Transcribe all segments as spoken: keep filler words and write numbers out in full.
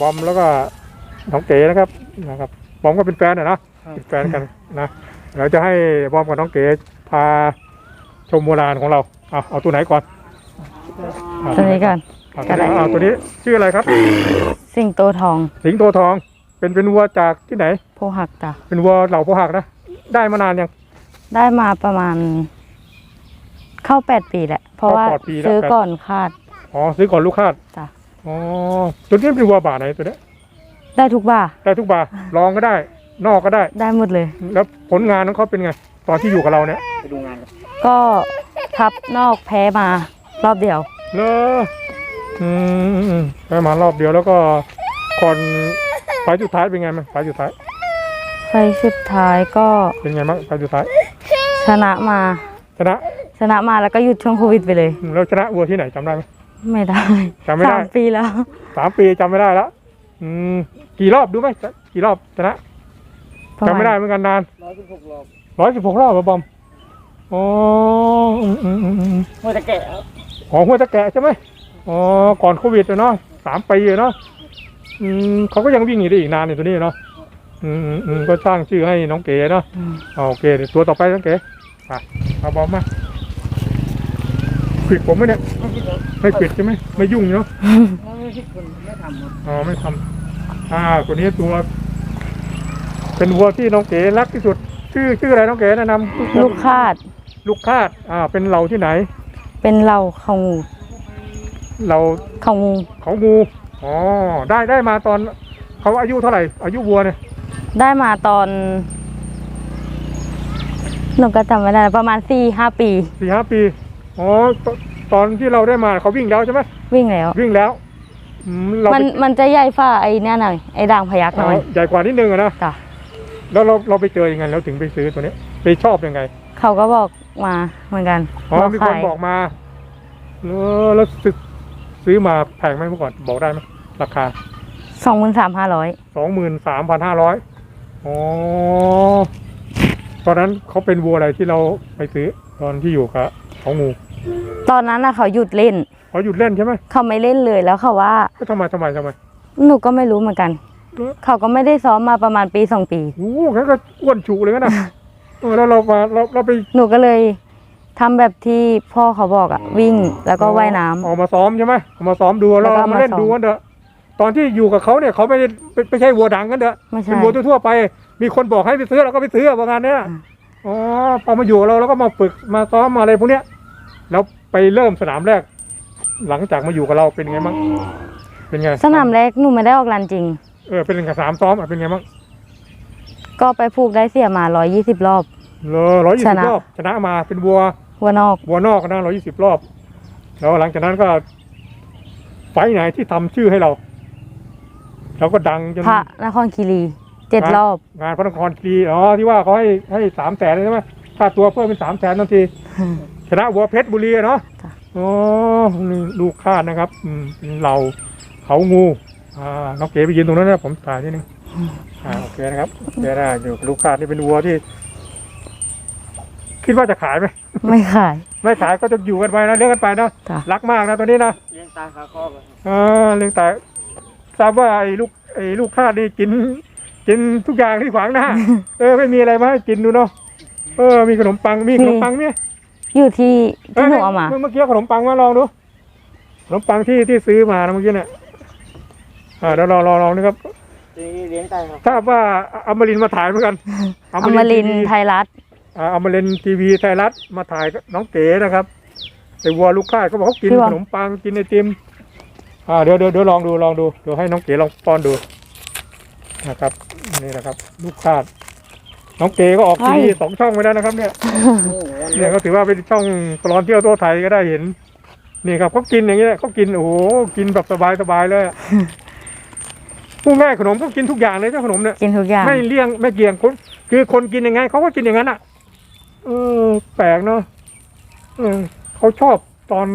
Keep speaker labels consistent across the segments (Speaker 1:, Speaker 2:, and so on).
Speaker 1: อมแล้วก็น้องเก๋นะครับนะครับบอมก็เป็นแฟนนะนะเป็นแฟนกันนะเราจะให้บอมกับน้องเก๋พาชมโบราณของเราเอาเอาตัวไหนก่อน
Speaker 2: ตัวนี้ก่อน
Speaker 1: ก็ได้เอาตัวนี้ชื่ออะไรครับ
Speaker 2: สิงโตทอง
Speaker 1: สิงโตทองเป็นเป็นวัวจากที่ไหน
Speaker 2: โพหักจ้ะ
Speaker 1: เป็นวัวเหล่าโพหักนะได้มานานยัง
Speaker 2: ได้มาประมาณ เข้าแปดปีแหละ เพราะว่า
Speaker 1: เข้าแปดปีแล้ว
Speaker 2: ซื้อก่อนคาด
Speaker 1: อ๋อซื้อก่อนลูกคาด
Speaker 2: จ้ะ
Speaker 1: อ๋อตัวนี้เป็นวัวบ่าไหนตัวนี้
Speaker 2: ได้ทุกบ่า
Speaker 1: ได้ทุกบ่าลองก็ได้ นอกก็ได้
Speaker 2: ได้หมดเลย
Speaker 1: แล้วผลงานของเขาเป็นไง ตอนที่อยู่กับเราเนี่ย
Speaker 3: ไปดูงานกัน
Speaker 2: ก็ทับนอกแพ้มารอบเดียว
Speaker 1: เลออืมไปมารอบเดียวแล้วก็ก่อนไฟล์สุดท้ายเป็นไงมั้งไฟล์สุดท้าย
Speaker 2: ไฟสุดท้ายก็
Speaker 1: เป็นไงบ้างไฟล์สุดท้าย
Speaker 2: ชนะมา
Speaker 1: ชนะ
Speaker 2: ชนะมาแล้วก็หยุดช่วงโควิดไปเลย
Speaker 1: แล้วชนะวัวที่ไหนจำได้ไหม
Speaker 2: ไม่ได้
Speaker 1: จำไม่ได้
Speaker 2: สามปีแล้ว
Speaker 1: สามปีจำไม่ได้แล้วอืมกี่รอบดูไหมกี่รอบชนะจำไม่ได้เหมือนกันนาน
Speaker 3: ร้อยสิบหกรอบ
Speaker 1: ร้อยสิบหกรอบเหรอบอมอ๋ออืมอืมอืมอืม
Speaker 3: หัวตะแกะครับ
Speaker 1: อ๋อหัวตะแกะใช่ไหมอ๋อก่อนโควิดเนาะสามปีเนาะอืมเขาก็ยังวิ่งอยู่ได้อีกนานในตัวนี้เนาะอืมอืมอืมก็สร้างชื่อให้น้องเก๋เนาะ
Speaker 2: อืม
Speaker 1: อ๋อโอเคเดี๋ยวตัวต่อไปน้องเก๋ไปเอาบอมมาปิดผมไหมเนี่ย
Speaker 3: ไม่คิดว่า
Speaker 1: ไม่ปิดใช่ไหมไม่ยุ่งเนาะ
Speaker 3: ไม่คิดคนไม่ทำครับ
Speaker 1: อ๋อไม่ทำอ่าตัวนี้ตัว เป็นวัวที่น้องเก๋รักที่สุด ชื่อชื่ออะไรน้องเก๋แนะนำ
Speaker 2: ลูกคาด
Speaker 1: ลูกคาดอ่าเป็นเหล่าที่ไหน
Speaker 2: เป็นเราเขางู
Speaker 1: เหล่า
Speaker 2: เขางู
Speaker 1: เขางูอ๋อได้ได้มาตอนเขาอายุเท่าไหร่ อายุวัวเนี่ย
Speaker 2: ได้มาตอนหนูก็จำไม่ได้ประมาณสี่ห้าปี
Speaker 1: สี่ห้าปีอ๋อตตอนที่เราได้มาเขาวิ่งแล้วใช่ไหม
Speaker 2: วิ่งแล้ว
Speaker 1: วิ่งแล้วอืมเรา
Speaker 2: มัน
Speaker 1: ไป
Speaker 2: มันจะใหญ่ฝ่าไอ้เนี่ยหน่อยไอ้ด่างพยักห
Speaker 1: อ๋
Speaker 2: น่
Speaker 1: อ
Speaker 2: อย
Speaker 1: ใหญ่กว่านิดนึงอะนะ
Speaker 2: จ้ะ
Speaker 1: แล้วเราเราไปเจอยังไงแล้วถึงไปซื้อตัวนี้ไปชอบยังไง
Speaker 2: เขาก็บอกมาเหมือนกัน
Speaker 1: อ๋อมีคน
Speaker 2: ขาย
Speaker 1: บอกมาเออแล้วซื้อซื้อมาแพงไหมเมื่อก่อนบอกได้ไหมราคา
Speaker 2: สองหมื่นสามห้าร้อย
Speaker 1: สองหมื่นสามพันห้าร้อยอ๋อตอนนั้นเขาเป็นวัวอะไรที่เราไปซื้อตอนที่อยู่กับของงู
Speaker 2: ตอนนั้นนะเขาหยุดเล่น
Speaker 1: เขาหยุดเล่นใช่ไหม
Speaker 2: เขาไม่เล่นเลยแล้วเขาว่า
Speaker 1: ก็ทำไมทำไมทำไม
Speaker 2: หนูก็ไม่รู้เหมือนกัน
Speaker 1: เออ
Speaker 2: เขาก็ไม่ได้ซ้อมมาประมาณปีสองปี
Speaker 1: โอ้โหงั้นก็อ้วนฉุเลยนะ เออแล้วเรามาเราเราไป
Speaker 2: หนูก็เลยทำแบบที่พ่อเขาบอกอะวิ่งแล้วก็ว่ายน้ำ
Speaker 1: ออกมาซ้อมใช่ไหมออกมาซ้อมดู
Speaker 2: แล้
Speaker 1: เรา
Speaker 2: วก็
Speaker 1: มาเล่น
Speaker 2: มาซ้อม
Speaker 1: ดูกันเถอะตอนที่อยู่กับเขาเนี่ยเขาไม่ได้ไม่ไม่ใช่วัวดังกันเถอะ
Speaker 2: ไม่ใช่
Speaker 1: เป็นวัวทั่วๆไป มีคนบอกให้ไปซื้อเราก็ไปซื้อประมาณเนี้ย
Speaker 2: อ่า
Speaker 1: อ๋อพอมาอยู่กับเราแล้วก็มาฝึกมาซ้อมมาอะไรพวกเนี้ยแล้วไปเริ่มสนามแรก หลังจากมาอยู่กับเราเป็นไงบ้างเป็นไง
Speaker 2: สนามแรกหนูไม่ได้ออกรันจริง
Speaker 1: เออเป็นไงสนามซ้อมอ่ะเป็นไงบ้าง
Speaker 2: ก็ไปผูกได้เสียมาร้อยยี่สิบรอบ
Speaker 1: เลยร้อยยี่
Speaker 2: ช
Speaker 1: สิบ
Speaker 2: นะ
Speaker 1: รอบชนะมาเป็นวัว
Speaker 2: หัวนอก
Speaker 1: วัวนอกนะร้อยยี่สิบรอบ แล้วหลังจากนั้นก็ ไฟท์ไหนที่ทำชื่อให้เราเราก็ดังจน
Speaker 2: พระนครคีรีเจ็ดรอบ
Speaker 1: งานพระนครคีรีอ๋อที่ว่าเขาให้ให้สามแสนใช่ไหมค่าตัวเพิ่มเป็นสามแสนทันที ชนะวัวเพชรบุรีอะเนาะ
Speaker 2: จ้ะ
Speaker 1: อ๋อนี่ลูกคาดนะครับ อืมเป็นเราเขางู อ่า น้องเก๋ไปยืนตรงนั้นนะผมถ่ายนิดนึงอ่า โอเคนะครับโอเคได้อยู่กับลูกคาดนี่เป็นวัวที่ คิดว่าจะขายไหม
Speaker 2: ไม่ขาย
Speaker 1: ไม่ขายก็จะอยู่กันไปนะเลี้ยงกันไปนะ
Speaker 2: จ้ะ
Speaker 1: รักมากนะตัวนี้นะ
Speaker 3: เลี้ยงตาขาคอกเลย
Speaker 1: อ่าเลี้ยงแต่ทราบว่าไอ้ลูกไอ้ลูกคาดนี่กิน กินทุกอย่างที่ขวางหน้า เออไม่มีอะไรมาให้กินดูเนาะ เออ มีขนมปัง มีขนมปังเนี่ย
Speaker 2: อยู่ที่ที่หนูเอามา
Speaker 1: เมื่อกี้ขนมปังมาลองดู ขนมปังที่ที่ซื้อมานะเมื่อกี้เนี่ย อ่าเดี๋ยวลองลองลองนะครับ
Speaker 3: เลี้ยงตาครับ
Speaker 1: ทราบว่าอมรินทร์มาถ่ายเหมือนกัน
Speaker 2: อมรินทร์ไทยรัฐ
Speaker 1: อ่าอมรินทร์ทีวีไทยรัฐมาถ่ายน้องเก๋นะครับไอ้วัวลูกค่ายเขาบอกเขากินขนมปังกินไอติม อ่าเดี๋ยวเดี๋ยวเดี๋ยวลองดูลองดูเดี๋ยวให้น้องเก๋ลองป้อนดูนะครับนี่นะครับ ลูกคาด น้องเก๋ก็ออกทีวีสองช่องไปแล้วนะครับ เนี่ย เนี่ยก็ถือว่าเป็นช่องตลอดเที่ยวทั่วไทยก็ได้เห็น นี่ครับเขากินอย่างเงี้ยเขากินโอ้โหกินแบบสบายสบายเลยอะ ผู้ง่ายขนมเขากินทุกอย่างเลยเจ้าขนมเนี่ย
Speaker 2: กินทุกอย่าง
Speaker 1: ไม่เลี่ยงไม่เกี่ยงคนคือคนกินยังไงเขาก็กินอย่างนั้นอ่ะ เออแปลกเนาะเออเขาชอบตอน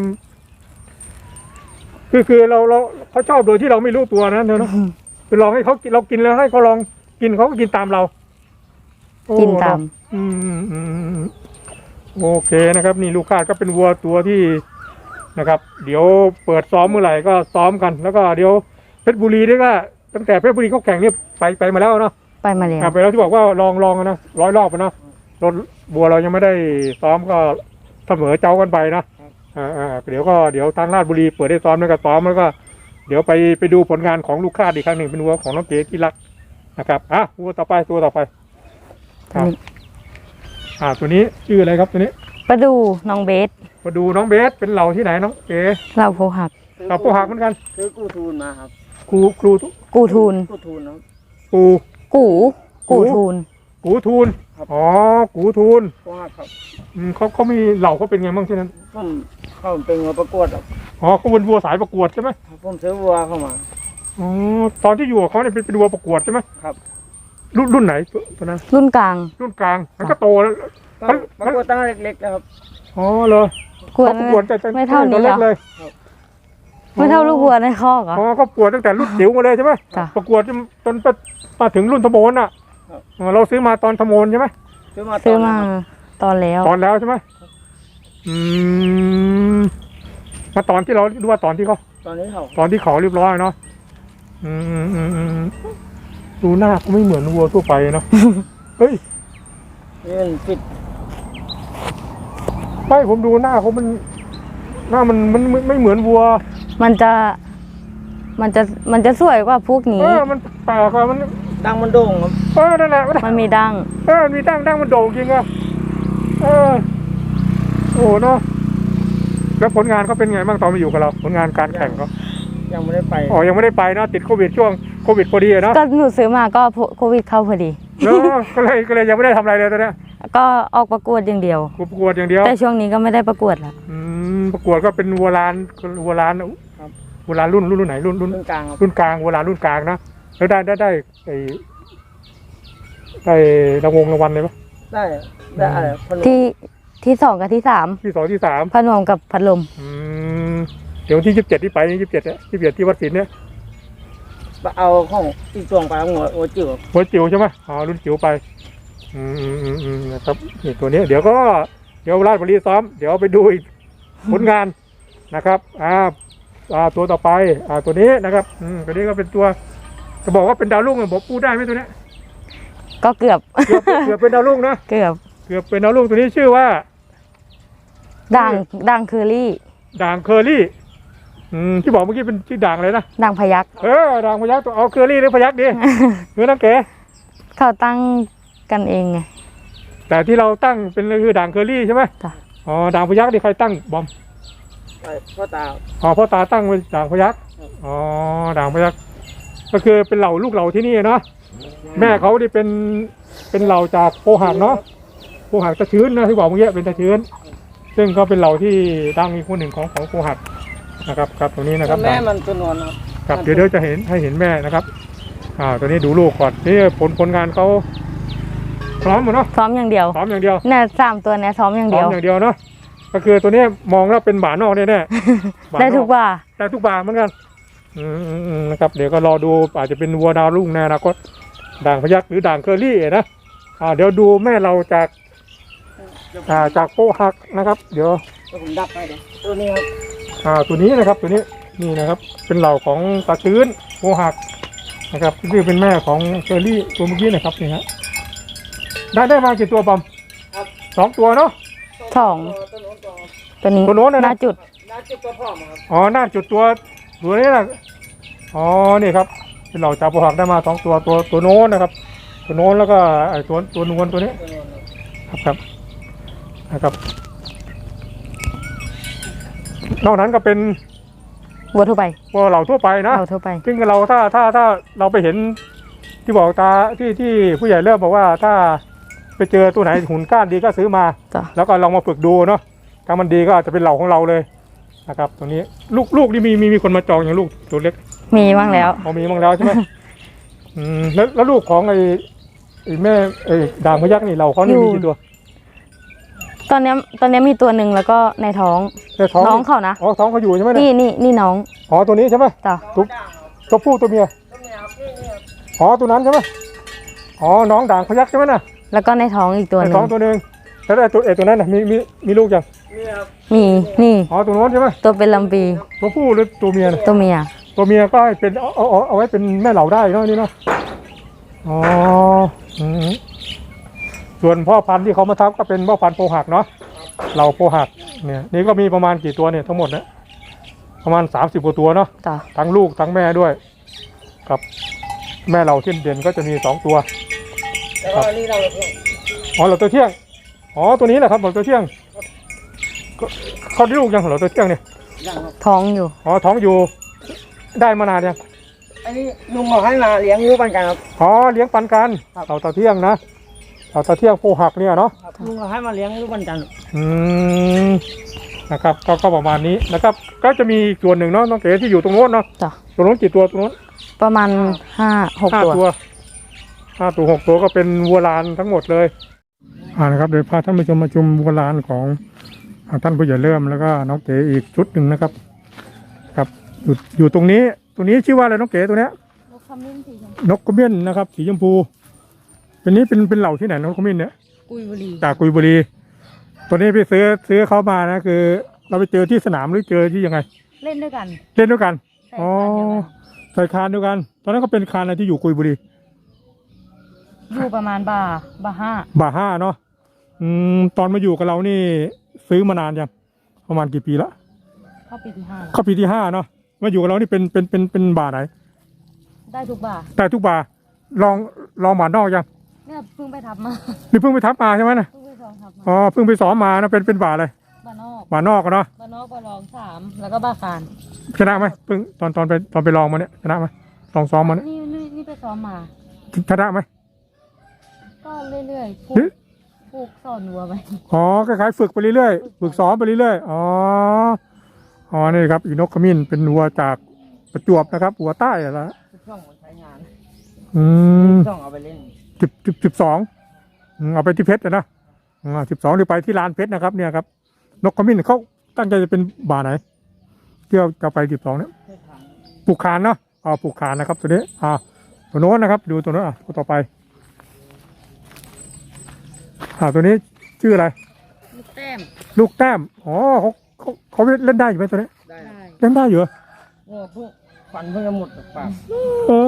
Speaker 1: คือคือเราเราเขาชอบโดยที่เราไม่รู้ตัวนะเธอเนาะคือลองให้เขากินเรากินแล้วให้เขาลองกินเขาก็กินตามเราโอ้
Speaker 2: กินตาม
Speaker 1: อืมอืมอืมอืมโอเคนะครับ นี่ลูกคาดก็เป็นวัวตัวที่นะครับ เดี๋ยวเปิดซ้อมเมื่อไหร่ก็ซ้อมกัน แล้วก็เดี๋ยวเพชรบุรีนี่ก็ตั้งแต่เพชรบุรีเขาแข่งเนี่ยไปไปมาแล้วเนาะ
Speaker 2: ไปมาแล้ว
Speaker 1: อ่ะไปแล้วที่บอกว่าลองลองนะร้อยรอบนะรถบัวเรายังไม่ได้ซ้อมก็เสมอเจ้ากันไปนะอ่าอ่าเดี๋ยวก็เดี๋ยวทางราชบุรีเปิดได้ซ้อมแล้วก็ซ้อมแล้วก็ เดี๋ยวไปไปดูผลงานของลูกค้าอีกครั้งหนึ่งเป็นวัวของน้องเก๋ที่รักนะครับอ่ะวัวต่อไปตัวต่อไปครับอ่าตัวนี้ชื่ออะไรครับตัวนี้
Speaker 2: ประดูน้องเบส
Speaker 1: มาดูน้องเบสเป็นเหล่าที่ไหนน้องเก๋
Speaker 2: เราโพหัก
Speaker 1: เหล่าโปหักเหมือนกัน
Speaker 3: ซื้อกู้ทูนมาครับ
Speaker 1: ครูครูทุ
Speaker 2: กูทูน
Speaker 3: กู้ทูนครับ
Speaker 1: ครู
Speaker 2: กูกูทูน
Speaker 1: กูทูนอ๋อกูทูน
Speaker 3: พวกครับ
Speaker 1: อืมเขาเขามีเหล่าเขาเป็นไงบ้างที่นั้น
Speaker 3: ผมเข้าเป็นวัวประกวดครับ
Speaker 1: อ๋อเขาเป็นวัวสายประกวดใช่ไหม
Speaker 3: ผมซื้อวัวเข้ามา
Speaker 1: อ๋อตอนที่อยู่กับเขาเนี่ยเป็นเป็นวัวประกวดใช่ไหม
Speaker 3: ครับ
Speaker 1: รุ่นรุ่นไหนตัวตัวนั้น
Speaker 2: รุ่นกลาง
Speaker 1: รุ่นกลางมันก็โตแล้ว
Speaker 3: ก็ประกวดตั้งแต่เล็กๆนะครับ
Speaker 1: อ๋อเลย
Speaker 2: กวด
Speaker 1: เขาประกวดแต่แต่
Speaker 2: ไม่เท่านี้
Speaker 1: ตัว
Speaker 2: เหร
Speaker 1: เล็
Speaker 2: อก
Speaker 1: เลย
Speaker 2: ไม่เท่าลูกวัวในคอกเหรอ
Speaker 1: อ๋อเขาประกวดตั้งแต่รุ่นจิ๋วมาเลยใช่ไหม
Speaker 2: จ้ะ
Speaker 1: ประกวดจนจนไปมาถึงรุ่นทโมนอ่ะอ๋อเราซื้อมาตอนทโมนใช่ไหม
Speaker 3: ซื้อมา
Speaker 2: ซื้อมา
Speaker 3: ตนนั้นครับ
Speaker 2: ตอนแล้ว
Speaker 1: ตอนแล้วใช่ไหมอืมมาตอนที่เราดูว่าตอนที่เขา
Speaker 3: ตอนนี้เขา
Speaker 1: ตอนที่เขาเรียบร้อยเนาะอืมอืมอืมอืมดูหน้าเขาไม่เหมือนวัวทั่วไปเนาะ เฮ้ย
Speaker 3: นี่มันปิด
Speaker 1: ไม่ผมดูหน้าเขามัน หน้ามันมันไม่ไม่เหมือนวัว
Speaker 2: มันจะ มันจะมันจะสวยกว่าพวก
Speaker 1: เอ
Speaker 2: นี้
Speaker 1: อมันแปลกว่ามัน
Speaker 3: ดังมันโด่งครับ
Speaker 1: เออนั่นแหละ
Speaker 2: มันมีดั้ง
Speaker 1: เออมีตั้งตั้งมันโด่งจริงอะเออโอ้เนาะแล้วผลงานเขาเป็นไงบ้างตอนมาอยู่กับเรา ผลงานการแข่งเขา
Speaker 3: ยังไม่ได้ไป
Speaker 1: อ๋อยังไม่ได้ไปเนาะติดโควิดช่วงโควิดพอดีอะเนาะ
Speaker 2: ก็หนูซื้อมาก็โควิดเข้าพอดี
Speaker 1: เนาะก็เลยก็เลยยังไม่ได้ทำอะไรเลยตอนเนี้ย
Speaker 2: ก็ออกประกวดอย่างเดียว
Speaker 1: ประกวดอย่างเดียว
Speaker 2: แต่ช่วงนี้ก็ไม่ได้ประกวดแล้ว
Speaker 1: อืมประกวดก็เป็นวัวลานวัวลานวัวลานรุ่นรุ่นรุ่นไหนรุ่นรุ่น
Speaker 3: รุ่นกลางครับ
Speaker 1: รุ่นกลางวัวลานรุ่นกลางนะแล้วได้ได้ได้ไอ้ได้รางวงรางวัลเลยปะ
Speaker 3: ได้ได้อะไรพนม
Speaker 2: ที่ที่สองกับที่สาม
Speaker 1: ที่สองที่สาม
Speaker 2: พนมกับพัดลม
Speaker 1: อืมเดี๋ยววันที่ยี่สิบเจ็ดที่ไปยี่สิบเจ็ดเนี่ยยี่สิบเจ็ดที่วัดศิลป์เนี่ย
Speaker 3: เอาของอีกตวงไปหัวหัวจิ๋ว
Speaker 1: หัวจิ๋วใช่ไหมอ๋อรุ่นจิ๋วไปอืมอืมอืมอืมนะครับนี่ตัวนี้เดี๋ยวก็เดี๋ยวราชบุรีซ้อมเดี๋ยวไปดูอีกผลงานนะครับอ่าอ่าตัวต่อไปอ่าตัวนี้นะครับอืมตัวนี้ก็เป็นตัวจะบอกว่าเป็นดาวรุ่งอะบอกพูดได้ไหมตัวเนี้ย
Speaker 2: ก็เกือบ
Speaker 1: เกือบเกือบเป็นดาวรุ่งนะ
Speaker 2: เกือบ
Speaker 1: เกือบเป็นดาวรุ่งตัวนี้ชื่อว่า
Speaker 2: ด่างด่างเคอรี่
Speaker 1: ด่างเคอรี่อืมที่บอกเมื่อกี้เป็นชื่อด่างเลยนะ
Speaker 2: ด่างพยัก
Speaker 1: เออด่างพยักตัวเอาเคอรี่หรือพยักดีหรือน้ำเก๋
Speaker 2: เขาตั้งกันเองไง
Speaker 1: แต่ที่เราตั้งเป็นคือด่างเคอรี่ใช่ไหม
Speaker 2: จ้ะ
Speaker 1: อ๋อด่างพยักนี่ใครตั้งบอม
Speaker 3: ไปพ่อตา
Speaker 1: อ๋อพ่อตาตั้งเป็นด่างพยักอ๋อด่างพยักก็คือเป็นเหล่าลูกเหล่าที่นี่เนาะแม่เขาที่เป็นเป็นเหล่าจากโพหักเนาะโพหักตะชื้นนะที่บอกเมื่อกี้เป็นตะชื้นซึ่งก็เป็นเหล่าที่ดังอีกคนหนึ่งของของโพหักนะครับครับตรงนี้นะครับ
Speaker 3: แม่มันตัวนวลครับ
Speaker 1: ครับเดี๋ยวเดี๋ยวจะเห็นให้เห็นแม่นะครับอ่าตัวนี้ดูลูกก่อนนี่ผลผลงานเขาพร้อมหมดเนาะ
Speaker 2: ซ้อมอย่างเดียว
Speaker 1: พร้อมอย่างเดียว
Speaker 2: เนี่ยสามตัวเนี่ยซ้อมอย่าง
Speaker 1: พร้
Speaker 2: เดี
Speaker 1: อ
Speaker 2: ยว
Speaker 1: มอย่างเดียวเนาะก็คือตัวนี้มองแล้วเป็นหมานอกแน่ๆหมาน
Speaker 2: ได้
Speaker 1: อก
Speaker 2: ทุกว่า
Speaker 1: ได้ทุกบาเหมือนกันอืมอืมอืมนะครับเดี๋ยวก็รอดูอาจจะเป็นวัวดาวรุ่งในอนาคตด่างพยักหรือด่างเคอรี่นะอ่าเดี๋ยวดูแม่เราจากอ่าจากโพหักนะครับ เดี๋ยว
Speaker 3: เดี๋ยวผมดับไปเดี๋ยวตัวนี้ครับ
Speaker 1: อ่าตัวนี้นะครับตัวนี้นี่นะครับ เป็นเหล่าของตาชื้นโพหักนะครับนี่เป็นแม่ของเคอรี่ตัวเมื่อกี้นะครับนี่ฮะได้ได้มากี่ตัวบอม
Speaker 3: ครับ
Speaker 1: สองตัวเนาะ
Speaker 2: สอง
Speaker 3: ตัวโน้นตัว
Speaker 2: ตัวนี้
Speaker 1: ตัวโน้นนะนะ
Speaker 2: หน้าจุด
Speaker 3: น่าจิบตัวพ่อมาครับ
Speaker 1: อ๋อหน้าจุดตัวตัวนี้นะอ๋อนี่ครับเป็นเหล่าจากโพหักได้มาสองตัวตัวตัวโน้นนะครับ ตัวโน้นแล้วก็ไอ้ตัวตัวนวลตัวนี้
Speaker 3: ตัวโน้นครับ
Speaker 1: ครับครับนะครับนอกนั้นก็เป็น
Speaker 2: วัวทั่วไป
Speaker 1: พวกเหล่าทั่วไปนะ
Speaker 2: เราทั่วไป
Speaker 1: ซึ่งเราถ้าถ้าถ้าเราไปเห็นที่บอกตาที่ที่ผู้ใหญ่เริ่มบอกว่าถ้าไปเจอตัวไหนหุ่นก้านดีก็ซื้อมา
Speaker 2: จ้ะ
Speaker 1: แล้วก็ลองมาฝึกดูเนาะถ้ามันดีก็อาจจะเป็นเหล่าของเราเลยนะครับตรงนี้ลูกลูกนี่มีมีมีคนมาจองอย่างลูกตัวเล็ก
Speaker 2: มีบ้างแล้ว
Speaker 1: พอมีบ้างแล้วใช่ไหม อืมแล้วแล้วลูกของไอ้ไอ้แม่ไอ้ด่างพยักนี่เราเขานี่มีกี่ตัว
Speaker 2: ตอนเนี้ยตอนเนี้ยมีตัวหนึ่งแล้วก็ในท้อง
Speaker 1: ในท้อง
Speaker 2: น้องเขานะ
Speaker 1: อ๋อท้องเขาอยู่ใช่ไหมเย
Speaker 2: นี่นี่นี่น้อง
Speaker 1: อ๋อตัวนี้ใช่ไหม
Speaker 2: จ้ะ
Speaker 1: ตัวตัวผู้ตัวเมีย
Speaker 3: ตัวเมียครับนี่นี่ครับ
Speaker 1: อ๋อตัวนั้นใช่ไหมอ๋อน้องด่างพยักใช่ไหมน่ะ
Speaker 2: แล้วก็ในท้องอีกตัวห
Speaker 1: ใน
Speaker 2: นึ่
Speaker 1: ท้อง
Speaker 2: ง
Speaker 1: ตัวหนึ่งแล้วไอ้ตัวไอ้ตัวนั้นน่ะมีมีมีลูกยัง
Speaker 3: นี่ครับ
Speaker 2: มีนี่
Speaker 1: อ๋อตัวโน้นใช่ไหม
Speaker 2: ตัวเป็นลำปี
Speaker 1: ตัวผู้หรือตัวเมียน่ะ
Speaker 2: ตัวเมีย
Speaker 1: ตัวตัวเมียก็ให้เป็นเอาเอาเอาเอาไว้เป็นแม่เหล่าได้เนาะนี่เนาะอ๋ออืมส่วนพ่อพันธุ์ที่เขามาทับก็เป็นพ่อพันธุ์โพหักเนาะเหล่าโพหักเนี่ยนี่ก็มีประมาณกี่ตัวเนี่ยทั้งหมดเนี่ยประมาณสามสิบกว่าตัวเนาะ
Speaker 2: จ้ะ
Speaker 1: ทั้งลูกทั้งแม่ด้วยกับแม่เหล่าเช่นเด่นก็จะมีสองตัว
Speaker 3: แล้วก็นี่เราเนี่ย
Speaker 1: อ๋อเหล่าตัวเที่ยงอ๋อตัวนี้แหละครับเหล่าตัวเที่ยงก็เขาได้ลูกยังเหล่าตัวเที่ยงเนี่ย
Speaker 3: ยังครับ
Speaker 2: ท้องอยู่
Speaker 1: อ๋อท้องอยู่ได้มานานยัง
Speaker 3: อันนี้ลุงบอกให้มาเลี้ยงลูกปันกันครับ
Speaker 1: อ๋อเลี้ยงปันกัน
Speaker 3: ครับ
Speaker 1: เหล่าตัวเที่ยงนะเหล่าตัวเที่ยงโพหักเนี่ยเนาะ
Speaker 3: ครับลุงบอกให้มาเลี้ยงลูกปันกัน
Speaker 1: อืมนะครับก็ก็ประมาณนี้นะครับ ก็จะมีอีกส่วนหนึ่งเนาะน้องเก๋ที่อยู่ตรงโน้นเนาะ
Speaker 2: จ้ะ
Speaker 1: ตรงโน้นกี่ตัวตรงโน้น
Speaker 2: ประมาณห้าหก
Speaker 1: ห้า
Speaker 2: ตัว
Speaker 1: ตัวห้าตัวหกตัวก็เป็นวัวลานทั้งหมดเลยอ่านะครับเดี๋ยวพาท่านผู้ชมมาชมวัวลานของอ่าท่านผู้ใหญ่เริ่มแล้วก็น้องเก๋อีกชุดหนึ่งนะครับครับอยู่อยู่ตรงนี้ตรงนี้ชื่อว่าอะไรน้องเก๋ตัวเนี้ย
Speaker 2: นกขมิ้นสีชม
Speaker 1: นกกระเบี้ยนนะครับสีชมพูเป็นนี้เป็นเป็นเหล่าที่ไหนนกกระเบี้ยนเนี่ย
Speaker 2: กุยบุรี
Speaker 1: จากกุยบุรีตัวนี้พี่ซื้อซื้อเขามานะคือ เราไปเจอที่สนามหรือเจอที่ยังไง
Speaker 2: เล่นด้วยกัน
Speaker 1: เล่นด้วยกัน
Speaker 2: ใส่
Speaker 1: อ๋อ
Speaker 2: คานเดียวกัน
Speaker 1: ใส่คานด้วยกัน ตอนนั้นก็เป็นคานอะไรที่อยู่กุยบุรี
Speaker 2: อยู่ประมาณบ่าบ่าห้า
Speaker 1: บ่าห้าเนาะอืมตอนมาอยู่กับเรานี่ซื้อมานานยังประมาณกี่ปีละ
Speaker 2: เข้าปีที่ห้า
Speaker 1: เข้าปีที่ห้าเนาะมาอยู่กับเรานี่เป็นเป็นเป็นเป็นบ่าไหน
Speaker 2: ได้ทุกบ่า
Speaker 1: แต่ทุกบ่าลองลองหมานอกยัง
Speaker 2: เนี่ยเพิ่งไปทับมา
Speaker 1: นี่เพิ่งไปทับมาใช่ไหมนะ
Speaker 2: เพิ่งไปสองทับมา
Speaker 1: อ๋อเพิ่งไปซ้อมมานะเป็นเป็นบ่าอะไร
Speaker 2: บ่านอก
Speaker 1: บ่านอกอะเนาะ
Speaker 2: บ่านอกบ่ารองสามแล้วก็บ่าคาน
Speaker 1: ชนะไหมเพิ่งตอนตอนไปตอนไปลองมาเนี่ยชนะไหมลองซ้อมมาเนี่ย
Speaker 2: นี่นี่นี่ไปซ้อมมา
Speaker 1: ชนะไหม
Speaker 2: ก็เรื่อยๆผู
Speaker 1: หรื
Speaker 2: ก
Speaker 1: อ
Speaker 2: ผูกสอนวัวไป
Speaker 1: อ๋อคล้ายๆฝึกไปเรื่อยๆฝึกซ้อมไปเรื่อยๆอ๋ออ๋อนี่ครับอีนกขมิ้นเป็นวัวจากประจวบนะครับวัวใต้อะละ
Speaker 3: ช่องมันใช้งาน
Speaker 1: อืม
Speaker 3: ช่องเอาไปเล่น
Speaker 1: สิบสิบสิบสองอืมเอาไปที่เพชรอะนะอ่าสิบสองหรือไปที่ลานเพชรนะครับเนี่ยครับนกขมิ้นเขาตั้งใจจะเป็นบ่าไหนเที่ยวจะไปสิบสองเนี่ย
Speaker 3: ใช้ทาง
Speaker 1: ปลูกคานเนาะอ๋อปลูกคานนะครับตัวนี้อ่าตัวโน้นนะครับ ดูตัวโน้นอ่ะตัวต่อไปอ่าตัวนี้ชื่ออะไร
Speaker 2: ลูกแต้ม
Speaker 1: ลูกแต้มอ๋อเขาเขาเขาเล่นได้อยู่ไหมตัวนี้
Speaker 3: ได้
Speaker 2: ได้
Speaker 1: เล่นได้อยู่เหรอ
Speaker 3: โอ้พวกฟันเพิ่งจะหมดจากปาก
Speaker 1: เออ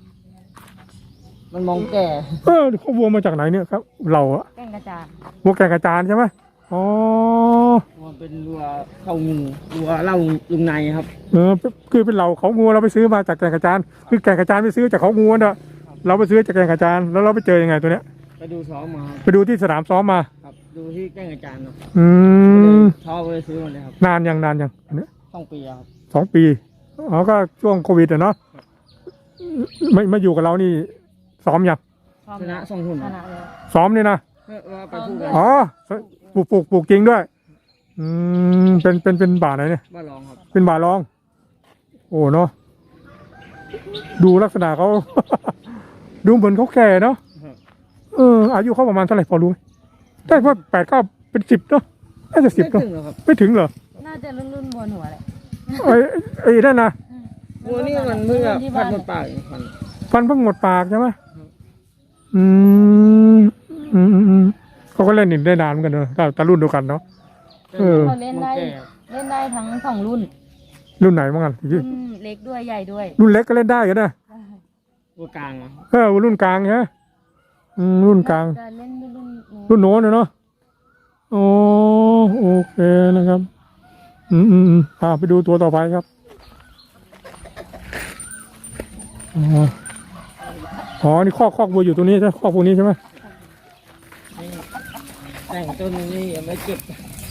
Speaker 3: มันมองแก่
Speaker 1: เออเขาวัวมาจากไหนเนี่ยครับ เราอะ
Speaker 2: แก้งกระจาน
Speaker 1: วัวแกงกระจานใช่ไหมอ๋อ
Speaker 3: มันเป็นรัวเข้างูรัวเหล่าลุงในครับ
Speaker 1: เออคือเป็นเราเขางูเราไปซื้อมาจากแกงกระจานคือแกงกระจานไปซื้อจากเขางูน่ะเราไปซื้อจากแกงกระจานแล้วเราไปเจอยังไงตัวเนี้ย
Speaker 3: ไปดูซ้อมมาครับ
Speaker 1: ไปดูที่สนามซ้อมมา
Speaker 3: ครับดูที่แก้งอาจารย์ครับ
Speaker 1: อืม
Speaker 3: ชอบเลยซื้อมาเลยครับ
Speaker 1: นานยังนานยังอันเนี้ย
Speaker 3: ต้องปีอะครับ
Speaker 1: สองปีอ๋อก็ช่วงโควิดอะเนาะไม่มาอยู่กับเรานี่ซ้อมยัง
Speaker 3: ชนะส่งหุ่น
Speaker 2: ช
Speaker 3: ครับ
Speaker 2: นะแล้ว
Speaker 1: ซ้อมนี่นะ
Speaker 3: เออว่าไปพูดกัน
Speaker 1: อ๋อปลูกปลูกปลูกจริงด้วย อืมเป็นเป็นเป็นบ่าไหนเนี่ย
Speaker 3: บ้าลองครับ
Speaker 1: เป็นบ่าลอง โอ้เนาะดูลักษณะเขา ดูเหมือนเขาแก่เนาะเอออายุเขาประมาณเท่าไหร่พอรู้ไหมได้ว่าแปดเก้าเป็นสิบเนาะน่าจะสิบ
Speaker 3: ไม่
Speaker 1: เนาะ
Speaker 3: ถึงหรอกครับ
Speaker 1: ไม่ถึงเหรอ
Speaker 2: น่าจะรุ่นรุ่นๆบนหัวแหละ
Speaker 1: ไอ้ไอ้นั่นนะ
Speaker 3: วัวนี่มันเพิ่งจะพัดหมดปากเองฟัน
Speaker 1: ฟันเพิ่งหมดปากใช่ไหมอืมอืมอืมอืมเขาก็เล่นอีกได้นานเหมือนกันเนอะแต่แต่รุ่นเดียวกันเนาะ เออ
Speaker 2: เขาเล่นได้
Speaker 3: มองแก่
Speaker 2: เล่นได้ทั้งสองรุ่น
Speaker 1: รุ่นไหนบ้างกัน
Speaker 2: รุ่นเล็กด้วยใหญ่ด้วย
Speaker 1: รุ่นเล็กก็เล่นได้กันนะ
Speaker 3: วัวกลางอะ
Speaker 1: เออรุ่นกลางใช่ไหมอืมรุ่นกลาง
Speaker 2: จะเล่นรุ่นรุ่นนู้น
Speaker 1: รุ่นโน้นนะเนาะโอ้โอเคนะครับ อืมอืมอืมอ่าไปดูตัวต่อไปครับอ๋ออ๋อนี่คอกคอกวัวอยู่ตรงนี้ใช่ไหมคอกพวกนี้ใช่ไหม
Speaker 3: นี่แต่งต้นนี่ยังไม่เก็บ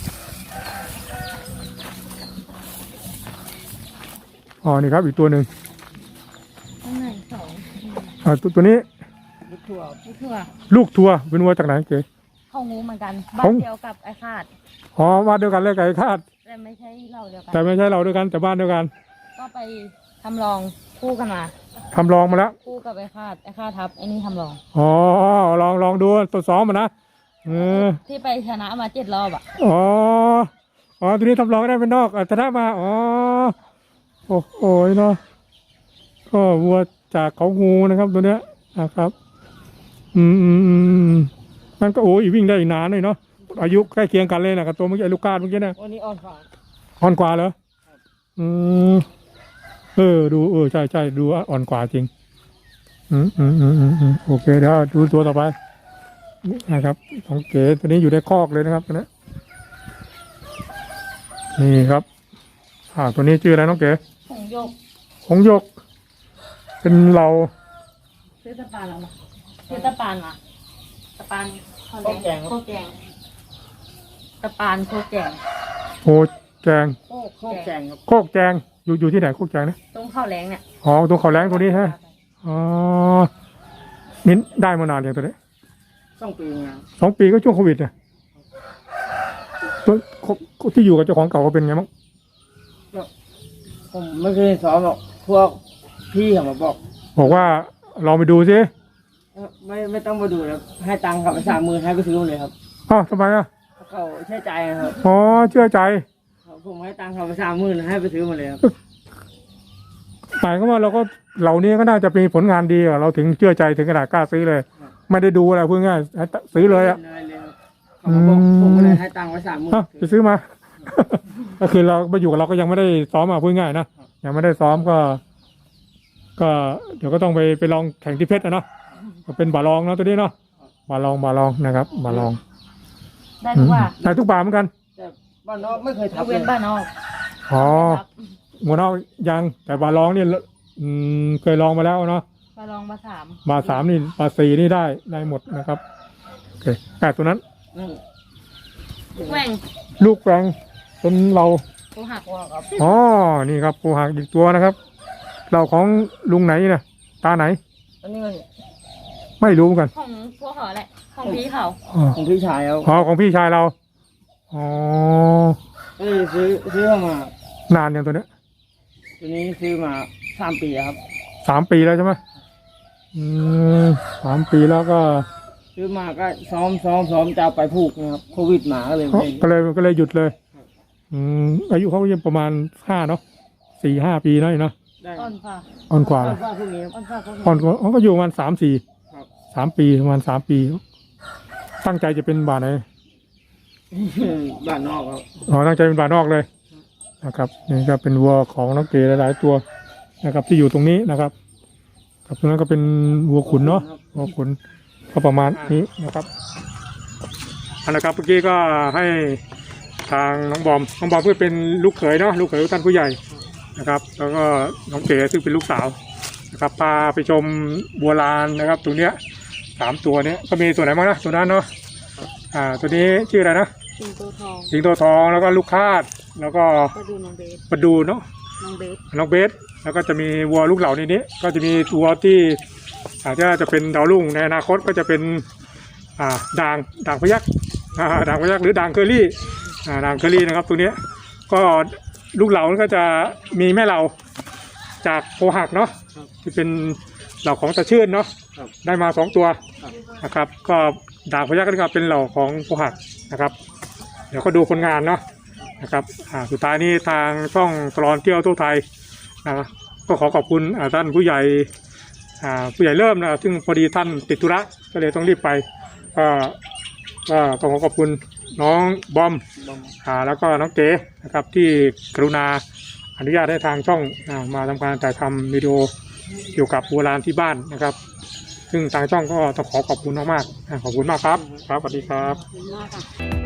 Speaker 1: อ๋อนี่ครับอีกตัวหนึ่ง
Speaker 2: ข้างในสอง
Speaker 1: อ่าตัวตัวนี้
Speaker 3: ลูกทั่ว
Speaker 2: ลูกเถื่อ
Speaker 1: ลูกทัวร์เป็นวัวจากไหนเก๋
Speaker 2: เข้างูเหมือนกัน
Speaker 1: เขา
Speaker 2: บ้านเดียวกับไอ้คาด
Speaker 1: อ๋อบ้านเดียวกันเลยกับไอ้คาด
Speaker 2: แต่ไม่ใช่เราเดียวกัน
Speaker 1: แต่ไม่ใช่เราด้วยกันแต่บ้านเดียวกัน
Speaker 2: ก็ไปทำลองคู่กันมา
Speaker 1: ทำลองมาแล้ว
Speaker 2: คู่กับไอ้คาดไอ้คาดทับไอ้นี่ทำลอง
Speaker 1: อ๋อลองลองดูตัวซ้อมมานะเออ
Speaker 2: ที่ไปชนะมาเจ็ดรอบอ่ะ
Speaker 1: อ๋ออ๋อตัวนี้ทำลองได้เป็นนอกอัตนะมาอ๋อโอ้โหเนาะก็วัวจากเขางูนะครับตัวเนี้ยนะครับ อืมอืมอืมอืมนั่นก็โอ้ยวิ่งได้อีกนานเลยเนาะอายุใกล้เคียงกันเลยนะกับตัวเมื่อกี้ลูกกาดเมื่อกี้นะ
Speaker 3: วันนี้อ่อนฝ่า
Speaker 1: อ่อนกว่าเหรออืมเออดูเออใช่ใช่ดูอ่อนกว่าจริงอืมอืมอืมอืมอืมโอเคเดี๋ยวดูตัวต่อไปนี่นะครับน้องเก๋ตัวนี้อยู่ในคอกเลยนะครับตัวนี้นี่ครับอ่าตัวนี้ชื่ออะไรน้องเก๋
Speaker 2: ผงโยก
Speaker 1: หงส์หยก เป็นเรา
Speaker 2: ซื้อตะปานแล้วนะซื้อตะปานมาตะปานข้าวแดงโคกแกงตะปานโคกแกง
Speaker 1: โคแจง
Speaker 3: โคกโคกแจงครับ
Speaker 1: โคกแจงอยู่อยู่ที่ไหนโคกแจงนะ
Speaker 2: ตรงข้าวแรงเนี่ย
Speaker 1: อ๋อตรงเขาแรงตัวนี้ฮะอ๋อมิ้นได้มานานอย่างตัวนี้
Speaker 3: สองปีงาน
Speaker 1: สองปีก็ช่วงโควิดเนี่ยตัวที่อยู่กับเจ้าของเก่าก็เป็นไงบ้าง
Speaker 3: ผมไม่เคยสอนหรอกพวกพี่เขามาบอก
Speaker 1: บอกว่าลองไปดูสิ
Speaker 3: เอ่อไม่ไม่ต้องมาดูแล้วให้ตังค์เขาไปสามหมื่นให้ไปซื้อมาเลยครับ
Speaker 1: อ้าวทำไมอ่ะ
Speaker 3: เขาเชื่อใจนะครับ
Speaker 1: อ๋อเชื่อใจ
Speaker 3: เขาผมให้ตังค์เขาไปสามหมื่นให้ไปซื้อมาเลยครับ
Speaker 1: หมายก็ว่าเราก็เหล่านี้ก็น่าจะมีผลงานดีอะเราถึงเชื่อใจถึงขนาดกล้าซื้อเลย ไม่ได้ดูอะไรพูดง่ายๆซื้อเลยอ่ะ
Speaker 3: ไม่ได้เลยครับเขามาบอกผมก็เลยให้ตังค์ไว้สามหมื่น
Speaker 1: อ่ะไปซื้อมา ก็คือเรามาอยู่กับเราก็ยังไม่ได้ซ้อมอ่ะพูดง่ายนะยังไม่ได้ซ้อมก็ ก็เดี๋ยวก็ต้องไปไปลองแข่งที่เพชรนะเนาะก็เป็นบาลองเนาะตัวนี้เนาะบาลองบาลองนะครับบาลอง
Speaker 2: ได้ทุกว่า
Speaker 1: ได้ทุกบาเหมือนกัน
Speaker 3: แต่บ้านนอกไม่เคย
Speaker 2: ย
Speaker 3: ทับ
Speaker 2: ก
Speaker 3: เล
Speaker 2: เว้
Speaker 3: ย
Speaker 2: นบ้านนอก
Speaker 1: อ๋อหมูนอกยังแต่บาลองเนี่ยอืมเคยลองมาแล้วเนาะ
Speaker 2: มาลองมาสาม
Speaker 1: บาสามนี่บาสี่นี่ได้ได้หมดนะครับโอเคแต่ตัวนั้น
Speaker 3: นั่น
Speaker 2: แหว่ง
Speaker 1: ลูกแปลงเป็นเรา
Speaker 2: กูหักว่าครับ
Speaker 1: อ๋อนี่ครับปูหักอีกตัวนะครับ เราของลุงไหนเนี่ยตาไหน
Speaker 3: อันนี้มัน
Speaker 1: ไม่รู้เหมือนกัน
Speaker 2: ของพวกเขาแหละของพี่เขา
Speaker 1: อ๋อ
Speaker 3: ของพี่ชายเขา
Speaker 1: อ๋อของพี่ชายเราอ๋อ
Speaker 3: เออซื้อซื้อเข้ามาน
Speaker 1: านอย่างตัวเนี้ย
Speaker 3: ตัวนี้ซื้อมาสามปีอะครับ
Speaker 1: สามปีแล้วใช่ไหมอืมสามปีแล้วก็
Speaker 3: ซื้อมาก็ซ้อมซ้อมซ้อมจะเอาไปผูกนะครับโควิดมาก็เลยไม่
Speaker 1: ก็เลยก็เลยหยุดเลย อืมอายุเขาก็ยังประมาณห้าเนาะสี่ห้าปีเนาะเนาะ
Speaker 3: ได้
Speaker 2: อ่อนฟ้า
Speaker 1: อ่อนกว่า
Speaker 3: ก็ว่าพวกนี้ครับ
Speaker 2: อ่อนฟ้าพวกนี้
Speaker 1: อ่อนกว่าอ๋อก็อยู่ประมาณสามสี่
Speaker 3: ครับ
Speaker 1: สามปีประมาณสามปี ตั้งใจจะเป็นบาทไหน
Speaker 3: บ้านนอกครับ
Speaker 1: อ๋อตั้งใจเป็นบาทนอกเลยนะครับนี่ก็เป็นวัวของน้องเก๋หลายๆตัวนะครับ ที่อยู่ตรงนี้นะครับครับตรงนั้นก็เป็นวัวขุนเนาะวัวขุนก็ประมาณนี้นะครับอันนะครับเมื่อกี้ก็ให้ทางน้องบอมน้องบอมเพื่อเป็นลูกเขยเนาะลูกเขยท่านผู้ใหญ่นะครับ แล้วก็น้องเก๋ซึ่งเป็นลูกสาวนะครับพาไปชมบัวลานนะครับตรงเนี้ยสามตัวเนี้ยก็มีตัวไหนบ้างนะตัวนั้นเนาะอ่าตัวนี้ชื่ออะไรนะ
Speaker 2: สิงโตทอง
Speaker 1: สิงโตทองแล้วก็ลูกคาดแล้วก็
Speaker 2: ก็ดูน้องเบส
Speaker 1: ประดูเนาะ
Speaker 2: น้องเบส
Speaker 1: น้องเบสแล้วก็จะมีวัวลูกเหล่าในนี้ ก็จะมีวัวที่อาจจะจะเป็นดาวรุ่งในอนาคตก็จะเป็นอ่าด่างด่างพยักอ่าด่างพยักหรือด่างเคอรี่อ่าด่างเคอรี่นะครับตัวเนี้ยก็ลูกเหล่าก็จะมีแม่เหล่าจากโพหักเนาะที่เป็นเหล่าของตะชื่นเนาะได้มาสองตัวนะครับ ก็ด่างพยักก็เป็นเหล่าของโพหักนะครับ เดี๋ยวก็ดูผลงานเนาะนะครับอ่าสุดท้ายนี้ทางช่องตลอดเที่ยวทั่วไทยนะครับก็ขอขอบคุณอ่าท่านผู้ใหญ่อ่าผู้ใหญ่เริ่มนะซึ่งพอดีท่านติดธุระก็เลยต้องรีบไปก็ก็ต้องขอขอบคุณน้องบอม
Speaker 3: บอม
Speaker 1: อ่าแล้วก็น้องเก๋นะครับที่กรุณาอนุญาตให้ทางช่องอ่ามาทำการถ่ายทำวิดีโอเกี่ยวกับโบราณที่บ้านนะครับ ซึ่งทางช่องก็ต้องขอขอบคุณมากๆอ่าขอบคุณมากครับครับสวัสดีครับ
Speaker 2: ขอบคุณมากค่ะ